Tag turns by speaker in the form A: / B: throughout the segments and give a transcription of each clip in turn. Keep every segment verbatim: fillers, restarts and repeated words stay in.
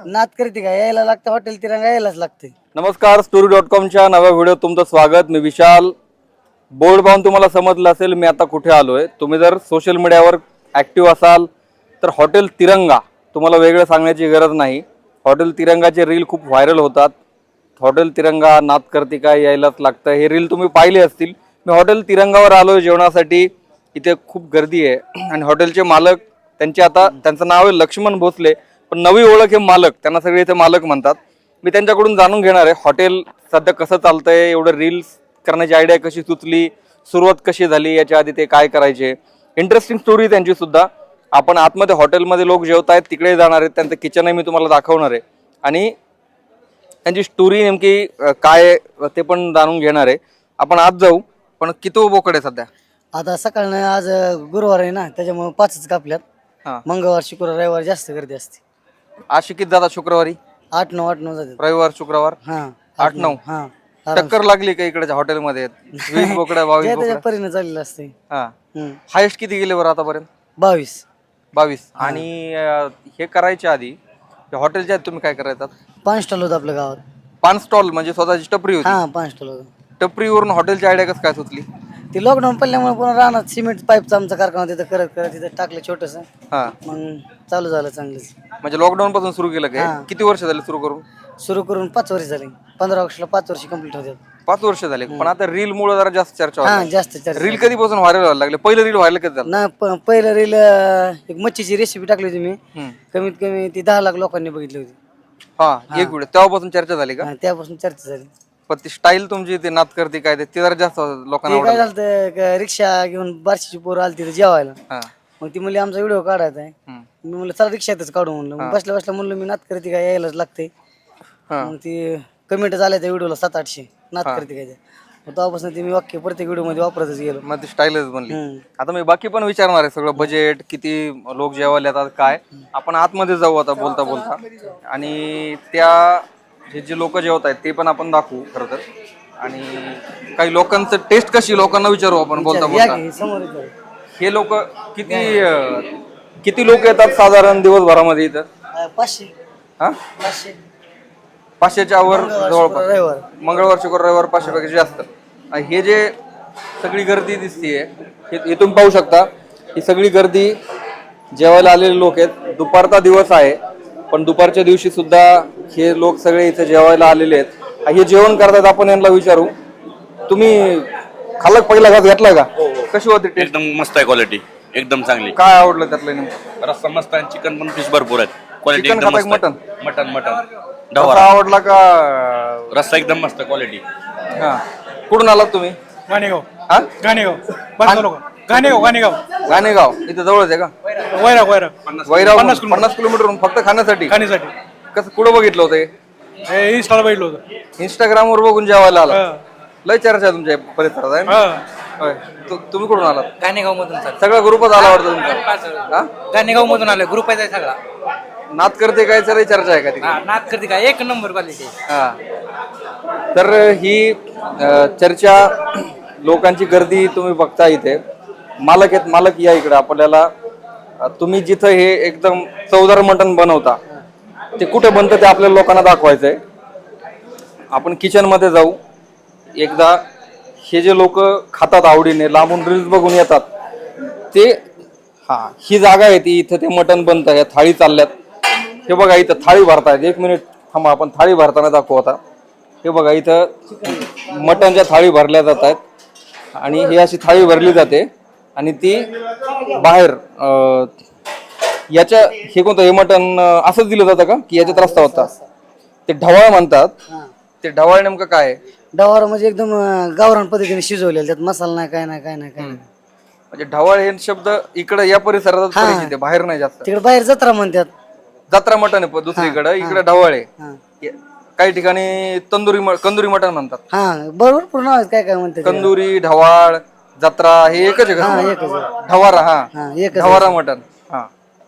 A: नात करते का यायला लागतं हॉटेल तिरंगा यायलाच लागते.
B: नमस्कार, स्टोरी डॉट कॉमच्या नव्या व्हिडिओ तुमचं स्वागत. मी विशाल. बोर्ड पाहून तुम्हाला समजलं असेल मी आता कुठे आलोय. तुम्ही जर सोशल मीडियावर ॲक्टिव्ह असाल तर हॉटेल तिरंगा तुम्हाला वेगळं सांगण्याची गरज नाही. हॉटेल तिरंगाचे रील खूप व्हायरल होतात. हॉटेल तिरंगा नात करते का यायलाच लागतं, हे रील तुम्ही पाहिले असतील. मी हॉटेल तिरंगावर आलोय जेवणासाठी. इथे खूप गर्दी आहे आणि हॉटेलचे मालक त्यांचे आता त्यांचं नाव आहे लक्ष्मण भोसले, पण नवी ओळख हे मालक, त्यांना सगळे इथे मालक म्हणतात. मी त्यांच्याकडून जाणून घेणार आहे हॉटेल सध्या कसं चालतंय, एवढं रील्स करण्याची आयडिया कशी सुचली, सुरुवात कशी झाली, याच्या आधी ते काय करायचे. इंटरेस्टिंग स्टोरी त्यांची सुद्धा. आपण आतमध्ये हॉटेलमध्ये लोक जेवत आहेत तिकडे जाणार आहेत, त्यांचं किचनही मी तुम्हाला दाखवणार आहे आणि त्यांची स्टोरी नेमकी काय ते पण जाणून घेणार आहे. आपण आत जाऊ. पण किती बोकड आहे सध्या?
A: आता सकाळ आज गुरुवार आहे ना, त्याच्यामुळे पाचच कापल्यात.
B: हा,
A: मंगळवार शुक्रवार रविवार जास्त गर्दी असते.
B: आज किती जातात? शुक्रवारी
A: आठ नऊ आठ नऊ जाते.
B: रविवार शुक्रवार
A: हा
B: आठ नऊ.
A: हा
B: टक्कर लागली का इकडच्या हॉटेलमध्ये? वीस बोकड्या बावीस
A: त्याच्या
B: बोकड्या
A: परीने चाललेलं असते.
B: हा,
A: हम्म.
B: हायेस्ट किती गेले बरं आतापर्यंत?
A: बावीस
B: बावीस. आणि अं, हे करायच्या आधी हॉटेलच्या आधी तुम्ही काय करायचं?
A: पाच स्टॉल होतं आपल्या गावात.
B: पान स्टॉल म्हणजे स्वतःची टपरी होती.
A: हा पाच स्टॉल होतं.
B: टपरीवरून हॉटेलची आयडिया कसं काय सुचली?
A: ते लॉकडाऊन पडल्यामुळे पुन्हा राहणार सिमेंट पाईपचा आमचा कारखाना तिथं करत करत तिथं टाकलं छोटस.
B: हा,
A: मग चालू झालं चांगलंच.
B: म्हणजे लॉकडाऊन पासून सुरू केलं काय?
A: हा.
B: किती वर्ष झाले सुरू करून?
A: सुरू करून पाच वर्ष झाली. पंधरा ऑगस्टला पाच वर्ष कंप्लीट होते.
B: पाच वर्ष झाले. पण आता रील मुळे जरा जास्त चर्चा
A: हा
B: होती.
A: जास्त चर्चा.
B: रील कधीपासून व्हायरल व्हायला लागले? पहिलं रील व्हायरल कधी झालं?
A: ना प- पहिलं रील एक मच्छीची रेसिपी टाकली होती मी.
B: हम्म.
A: कमीत कमी ती दहा लाख लोकांनी बघितली होती.
B: हा, एक व्हिडिओ तेव्हापासून चर्चा झाली का?
A: हा, त्यापासून चर्चा झाली.
B: पण ती स्टाईल तुमची ते नात करते काय ते ते जरा जास्त लोकांना
A: ते काय
B: आवडलं.
A: झालं क- रिक्षा घेऊन बारशीची पोरं आली तिथे जेवायला.
B: हा.
A: मग ती म्हणली आमचा व्हिडिओ काढायचा आहे.
B: हम्म.
A: मी म्हणलं चला रिक्षातच काढू म्हणलं. मग बसल्या बसल्या म्हणलं मी नात करते काय यायलाच लागते.
B: हा.
A: मग ती कमेंट झाल्या त्या व्हिडिओला सात आठशे नात करते काय. मग तेव्हापासून ती मी वाक्य प्रत्येक व्हिडिओ मध्ये वापरतच गेलो.
B: मग ती स्टाईलच बनली.
A: हम्म.
B: आता मी बाकी पण विचारणार आहे सगळं, बजेट किती, लोक जेवायला येतात काय. आपण आतमध्ये जाऊ आता बोलता बोलता आणि त्या हे जे लोक जेवत आहेत ते पण आपण दाखवू खरं तर. आणि काही लोकांचं टेस्ट कशी लोकांना विचारू आपण बोलता
A: या
B: बोलता.
A: की समोर येतो.
B: हे लोक किती अं, किती लोक येतात साधारण दिवसभरामध्ये इथं?
A: अं, पाचशे
B: हा,
A: पाचशे
B: पाचशेच्या वर जवळपास.
A: रविवार.
B: मंगळवार शुक्रवार रविवार पाचशे पेक्षा जास्त. आणि हे जे सगळी गर्दी दिसतीये हे इथून पाहू शकता. ही सगळी गर्दी जेवायला आलेले लोक आहेत. दुपारचा दिवस आहे पण दुपारच्या दिवशी सुद्धा हे लोक सगळे इथे जेवायला आलेले आहेत. हे जेवण करतात. आपण यांना विचारू, तुम्ही खाल्लं पहिला घास घेतला का? कशी होती टेस्ट?
C: एकदम मस्त आहे क्वालिटी, एकदम चांगली.
B: काय आवडलं त्यातलं नेमकं?
C: रस्सा मस्त आहे, चिकन पण पीस भरपूर आहेत. क्वालिटी
B: चिकन
C: एकदम
B: खाता
C: मस्त
B: का
C: आहे. मटन मटन
B: रस्सा
C: ढवारा
B: आवडला का?
C: रस्सा एकदम मस्त क्वालिटी.
B: हा, कुठून आलात तुम्ही?
D: गाणेगाव
B: हा,
D: गाणेगाव बांधलो गाणेगाव गाणेगाव
B: गाणेगाव. इथं जवळच आहे का?
D: वैरा वैरा
B: वैराव पन्नास किलोमीटर फक्त खाण्यासाठी?
D: खाण्यासाठी
B: कसं कुठं बघितलं होतं?
D: हे इंस्टाला बघितलं होतं.
B: इंस्टाग्राम वर बघून जेवायला आला?
D: हा.
B: लय चर्चा आहे तुमच्या परिसरात आहे ना?
D: हा.
B: होय. तु- तुम्ही कुठून आलात?
E: गाणेगाव मधून सर
B: सगळा ग्रुपच आला वाटतं तुमचा? हा?
E: गाणेगाव मधून आलोय. ग्रुप आहे सगळा.
B: नात करते काय सर चर्चा आहे का तिकडे?
E: हा, नात करते का एक नंबर क्वालिटी.
B: हा. तर ही अ, चर्चा, लोकांची गर्दी तुम्ही बघता इथे. मालक आहेत, मालक या इकडे आपल्याला. अ, तुम्ही जिथं हे एकदम चवदार मटण बनवता ते कुठे बनतं ते आपल्याला लोकांना दाखवायचंय. आपण किचन मध्ये जाऊ एकदा. हे जे लोक खातात आवडीने, लांबून रील्स बघून येतात ते, हा ही जागा आहे ती. इथं ते मटण बनतं. या थाळी चालल्यात. हे बघा इथं थाळी भरतायत. एक मिनिट थांबा, आपण थाळी भरताना दाखवू आता. हे बघा इथं मटणच्या थाळी भरल्या जात आहेत आणि ही अशी थाळी भरली जाते आणि ती बाहेर अं, याच्या हे कोणतं हे मटण असंच दिलं जातं का की याच्यात रस्ता होता? ते ढवाळ म्हणतात. ते ढवाळ नेमकं काय आहे?
A: डवारा म्हणजे एकदम अं, गावरान पद्धतीने शिजवलेलं. त्यात मसाला नाही काय नाही काय नाही काय नाही.
B: म्हणजे ढवाळ हे शब्द इकडे या परिसरात परिचित आहे, बाहेर नाही जास्त.
A: तिकडे बाहेर जत्रा म्हणतात.
B: जत्रा मटण आहे दुसरीकडे, इकडे ढवाळ आहे.
A: हा
B: काही ठिकाणी तंदुरी म- कंदुरी मटण म्हणतात.
A: हा बरोबर पूर्ण नाव आहे. काय काय म्हणतात त्याला.
B: कंदुरी, ढवाळ, जत्रा हे एकच आहे
A: हा
B: का?
A: एकच आहे.
B: ढवारा. हा,
A: हा एकच आहे.
B: ढवारा मटण. हा,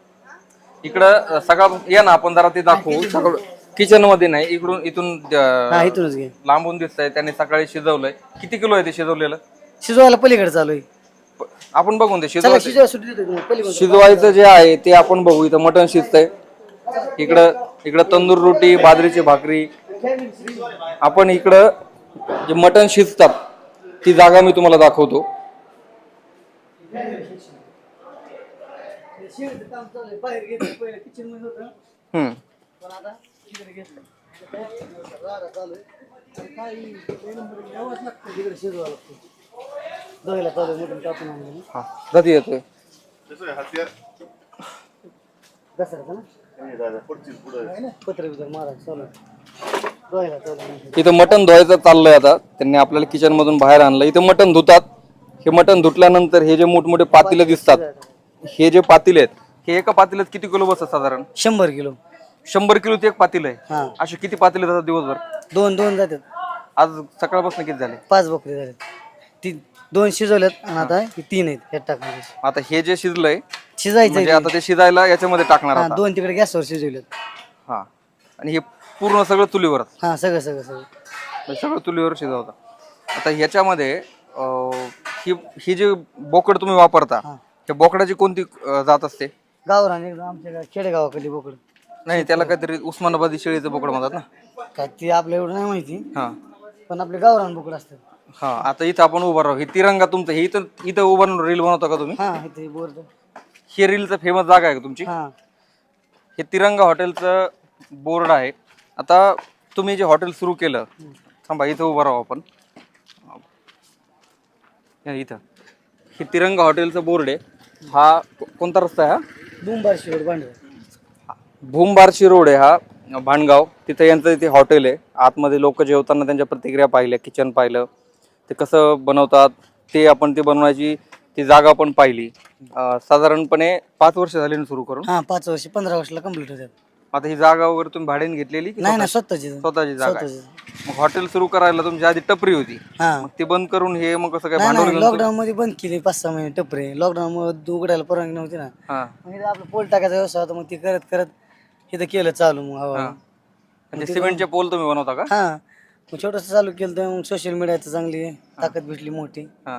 B: इकडं सगळा या ना आपण जरा ते दाखवू. सगळं किचन मध्ये नाही, इकडून इथून
A: हा
B: अं,
A: इथूनच घे.
B: लांबून दिसतंय. त्यांनी सकाळी शिजवलंय. किती किलो आहे ते शिजवलेलं?
A: शिजवायला पलीकडे चालू आहे.
B: प- आपण बघून ते
A: चला
B: शिजवायचं.
A: शिजवा सुट्टी देतो तुम्हाला. पलीकडे
B: शिजवायचं जे आहे ते आपण बघू. इथं मटण शिजतंय. इकडं इकडं तंदूर रोटी, बाजरीची भाकरी. आपण इकडं जे मटण शिजतात ती जागा मी तुम्हाला दाखवतो. हम्म हा कधी येतोय इथं मटण धुवायचं चाललंय. आता त्यांनी आपल्याला किचन मधून बाहेर आणलं. इथं मटण धुतात. हे मटण धुतल्यानंतर हे जे मोठमोठे पातेले दिसतात, हे जे पातेले आहेत, हे एका पातेल्यात किती किलो बसतात साधारण?
A: शंभर किलो.
B: शंभर किलोचे एक पातेलं आहे.
A: हा.
B: असे किती पातेले जातात दिवसभर?
A: दोन दोन जातात.
B: आज सकाळपासून किती झाले?
A: पाच बकरी झाले. तीन दोन शिजवल्यात आणि आता हे तीन आहेत ह्यात टाकण्याचे.
B: आता हे जे शिजलंय
A: शिजायचं
B: म्हणजे आता ते शिजायला याच्यामध्ये टाकणार
A: हा
B: आता.
A: दोन तिकडे गॅसवर शिजवलेत.
B: हा आणि हे पूर्ण सगळं चुलीवर
A: हा सगळं सगळं सगळं
B: सगळं चुलीवर शिजवता. आता ह्याच्यामध्ये अं, ही ही जी बोकड तुम्ही वापरता, त्या बोकडाची कोणती अं, जात असते?
A: गावरान एकदम आमच्या खेडेगावाकडली बोकड.
B: नाही, त्याला काहीतरी उस्मानाबादी शेळीचं बोकड म्हणतात ना.
A: काय ती आपल्या एवढं नाही माहिती,
B: हा
A: पण आपले गावरान बोकड असतात.
B: हा आता इथं आपण उभा राहू. हे तिरंगा तुमचं, हे इथं इथं उभा राहून रील बनवता का तुम्ही?
A: हा इथे बोर्ड.
B: हे रीलचं फेमस जागा आहे का तुमची?
A: हा
B: हे तिरंगा हॉटेलचं बोर्ड आहे. आता तुम्ही जे हॉटेल सुरू केलं, थांबा इथं उभं राहू आपण. या इथं हे तिरंगा हॉटेलचं बोर्ड आहे. हा को- कोणता रस्ता आहे? हा
A: बुंबारशी रोड भांडव.
B: भूमबारशी रोड आहे हा, भांडगाव. तिथं यांचं इथे हॉटेल आहे. आतमध्ये लोक जेवताना त्यांच्या प्रतिक्रिया पाहिल्या, किचन पाहिलं, ते कसं बनवतात ते आपण ते बनवायची ती जागा पण पाहिली. अं, साधारणपणे पाच वर्ष झाली ना सुरू करून?
A: हा पाच वर्ष पंधरा वर्षाला कम्प्लीट होतात.
B: आता ही जागा वगैरे तुम्ही भाड्याने घेतलेली की
A: नाही ना
B: स्वतः-
A: स्वतःची
B: स्वतःची जागा आहे?
A: स्वतःची.
B: मग हॉटेल सुरू करायला तुमची आधी टपरी होती,
A: हा
B: मग ती बंद करून हे मग कसं काय
A: नाही
B: भांडवल
A: नाही
B: घेऊन तुम्ही-
A: लॉकडाऊन मध्ये बंद केली पाच सहा महिने टपरे. लॉकडाऊन मध्ये उघडायला परवानगी नव्हती ना.
B: हा
A: मग इथं आपलं पोल टाकायचा व्यवसाय होता. मग ते करत करत इथं केलं चालू. मग हवा
B: आणि ते सिमेंटचे पोल तुम्ही बनवता का?
A: हा मग छोटस चालू केलं तर मग सोशल मीडियाचं चांगली ताकद भेटली मोठी.
B: हा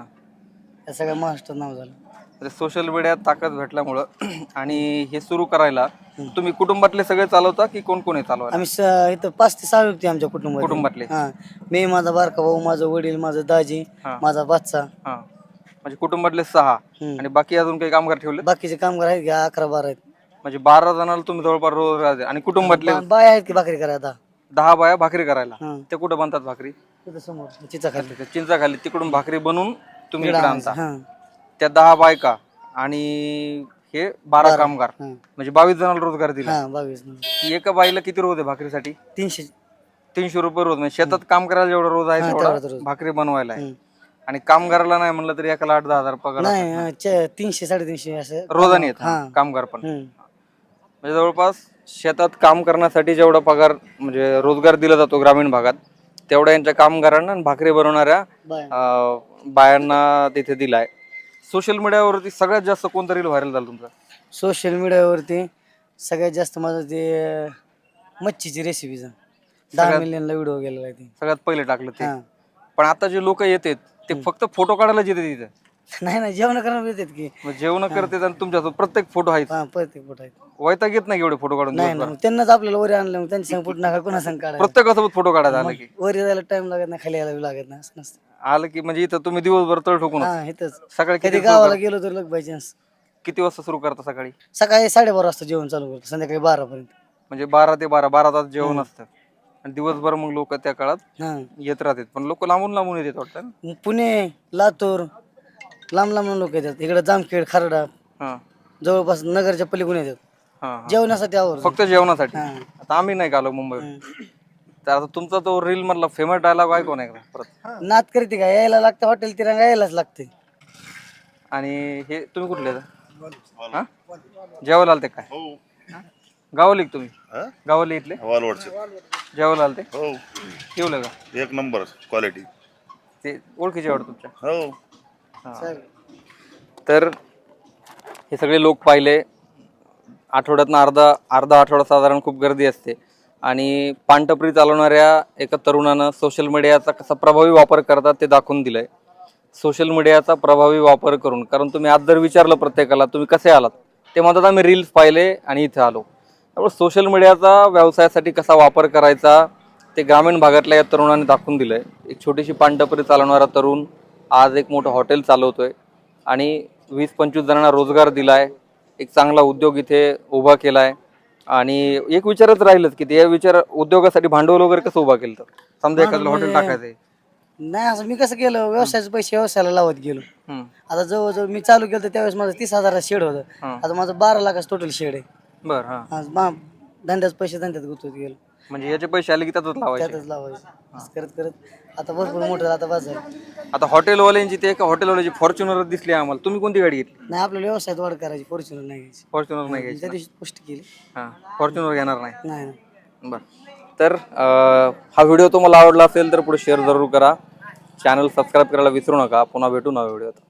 A: या सगळ्या महाराष्ट्रात नाव झालं.
B: सोशल मीडियात ताकद भेटल्यामुळं आणि हे सुरू करायला तुम्ही कुटुंबातले सगळे चालवता की कोण कोण आहे चालवायला?
A: आम्ही स- इथं पाच ते सहा व्यक्ती आमच्या कुटुंबात.
B: कुटुंबातले?
A: हा मी, माझा बारका भाऊ, माझं वडील, माझं दाजी,
B: हा.
A: माझा बादचा.
B: हा म्हणजे कुटुंबातले सहा
A: हम्म.
B: आणि बाकी अजून काही कामगार ठेवले?
A: बाकीचे कामगार आहेत का अकरा बारा आहेत.
B: म्हणजे बारा जणांना तुम्ही जवळपास रोज राहते. आणि कुटुंबातले
A: बा- बाया आहेत की भाकरी करायला.
B: दहा बाया भाकरी करायला.
A: हा.
B: ते कुठं बनतात भाकरी?
A: तिथं समोर चिचा खाली.
B: ते चिंचाखाली तिकडून भाकरी बनवून तुम्ही इकडे आणता.
A: हा
B: त्या दहा बायका आणि हे बारा कामगार,
A: हा.
B: म्हणजे बावीस जणांना रोजगार दिला.
A: हा बावीस नंबर.
B: एका बाईला किती रोज आहे भाकरीसाठी?
A: तीनशे.
B: तीनशे रुपये रोज. म्हणजे शेतात काम करायला जेवढा रोज आहे
A: हा,
B: तेवढा
A: तेवढाच रोज.
B: भाकरी बनवायला आहे.
A: हम्म.
B: आणि कामगाराला नाही म्हणलं तरी एकाला आठ दहा हजार पगार असतो.
A: नाही हा, चे- तीनशे साडेतीनशे असं
B: रोजाने येत
A: हा.
B: कामगार पण.
A: हम्म.
B: म्हणजे जवळपास शेतात काम करण्यासाठी जेवढा पगार म्हणजे रोजगार दिला जातो ग्रामीण भागात, तेवढा यांच्या कामगारांना आणि भाकरी बनवणाऱ्या
A: बाया.
B: अं, बायांना तिथे दिलाय. सोशल मीडियावरती सगळ्यात जास्त कोणता रील व्हायरल झाला तुमचा?
A: सोशल मीडियावरती सगळ्यात जास्त माझं ते अं, मच्छीची रेसिपीचं दहा मिलियनला व्हिडिओ गेलेला आहे ते.
B: सगळ्यात पहिले टाकलं ते.
A: हा.
B: पण आता जे लोक येतात ते फक्त फोटो काढायलाच येतात तिथे.
A: नाही नाही जेवण करायला येतात की.
B: मग जेवण करतात आणि तुमच्यासोबत प्रत्येक फोटो आहे.
A: हा प्रत्येक पोट आहेत.
B: वैताग येत नाही एवढे फोटो काढून
A: नाही
B: दिवसभर?
A: ना त्यांनाच आपल्याला वरी आणलं मग त्यांच्या संग पोट नका कोणा संग काढायला.
B: प्रत्येकासोबत फोटो काढायला आलं की
A: वरी जायला टाइम लागत नाही, खाली यायला बी लागत नाही, असं नसतं.
B: आलं की म्हणजे इथं तुम्ही दिवसभर तळ ठोकून
A: हा इथंच
B: सकाळी
A: कधी
B: किती
A: गावाला गेलो तर लग बाय चान्स.
B: किती वाजता सुरू करता? सकाळी
A: सकाळी साडेबारा वाजता जेवण चालू करतो, संध्याकाळी बारा पर्यंत.
B: म्हणजे बारा ते बारा बारा तास जेवण असतं आणि दिवसभर मग लोक त्या काळात
A: हा
B: येत राहतात. पण लोक लांबून लांबून येतात वाटतं ना?
A: मग पुणे, लातूर, लांब लांब लोक येतात. इकडे जामखेड, खारडा,
B: हा
A: जवळपास नगरच्या पलीकडून येतात
B: हा हा.
A: जेवणासाठी. आवर
B: फक्त जेवणासाठी.
A: हा.
B: आता आम्ही नाही आलो मुंबई. तर आता तुमचा तो रील मधला फेमस डायलॉग आहे कोण आहे का परत?
A: नात करते का यायला लागतं हॉटेल तिरंगा यायलाच लागते.
B: आणि हे तुम्ही कुठले आहेत? हा जेवायला आलते काय? गावाला तुम्ही? गावाला इथले
F: वालवडचे
B: जेवायला आलते?
F: हो
B: जेवलं का?
F: एक नंबर क्वालिटी.
B: ते ओळखीचे वाटत तुमच्या?
F: हो
B: हा. तर हे सगळे लोक पाहिले. आठवड्यातनं अर्धा अर्धा आठवडा साधारण खूप गर्दी असते. आणि पानटपरी चालवणाऱ्या एका तरुणानं सोशल मीडियाचा कसा प्रभावी वापर करतात ते दाखवून दिलंय. सोशल मीडियाचा प्रभावी वापर करून, कारण तुम्ही आज जर विचारलं प्रत्येकाला तुम्ही कसे आलात, ते म्हणतात आम्ही रील्स पाहिले आणि इथे आलो. त्यामुळे सोशल मीडियाचा व्यवसायासाठी कसा वापर करायचा ते ग्रामीण भागातल्या या तरुणांनी दाखवून दिलं आहे. एक छोटीशी पानटपरी चालवणारा तरुण आज एक मोठं हॉटेल चालवतोय आणि वीस पंचवीस जणांना रोजगार दिला आहे. एक चांगला उद्योग इथे उभा केला आहे. आणि एक विचारच राहिलंच की या विचार उद्योगासाठी भांडवल वगैरे कसं उभा केलं तर समजा एखादं हॉटेल टाकायचं आहे.
A: नाही असं मी कसं केलं व्यवसायाचे पैसे व्यवसायाला लावत गेलो.
B: हम्म.
A: आता जवळजवळ मी चालू केलं तर त्यावेळेस माझं तीस हजाराचं शेड होतं.
B: हा.
A: आता माझं बारा लाखाचं टोटल शेड आहे.
B: बरं हां
A: आज मा धंद्याचे पैसे धंद्यात गुंतवत गेलो.
B: म्हणजे याचे पैसे आले की त्यातच लावायचे.
A: त्यातच लावायचं असं करत करत आता भरपूर मोठं आता बाजार.
B: आता हॉटेलवाल्यांची ते एका हॉटेलवाल्याची फॉर्च्युनर दिसली आम्हाला. तुम्ही कोणती गाडी घेतली?
A: नाही आपल्याला व्यवसायात वाढ करायची फॉर्च्युनर नाही घ्यायची.
B: फॉर्च्युनर नाही घ्यायची
A: त्या दिवशी पुष्टी केली.
B: हां फॉर्च्युनर घेणार नाही.
A: नाही नाही.
B: बरं तर अं, हा व्हिडिओ तुम्हाला आवडला असेल तर पुढे शेअर जरूर करा. चॅनल सबस्क्राईब करायला विसरू नका. पुन्हा भेटू नव्या व्हिडिओत.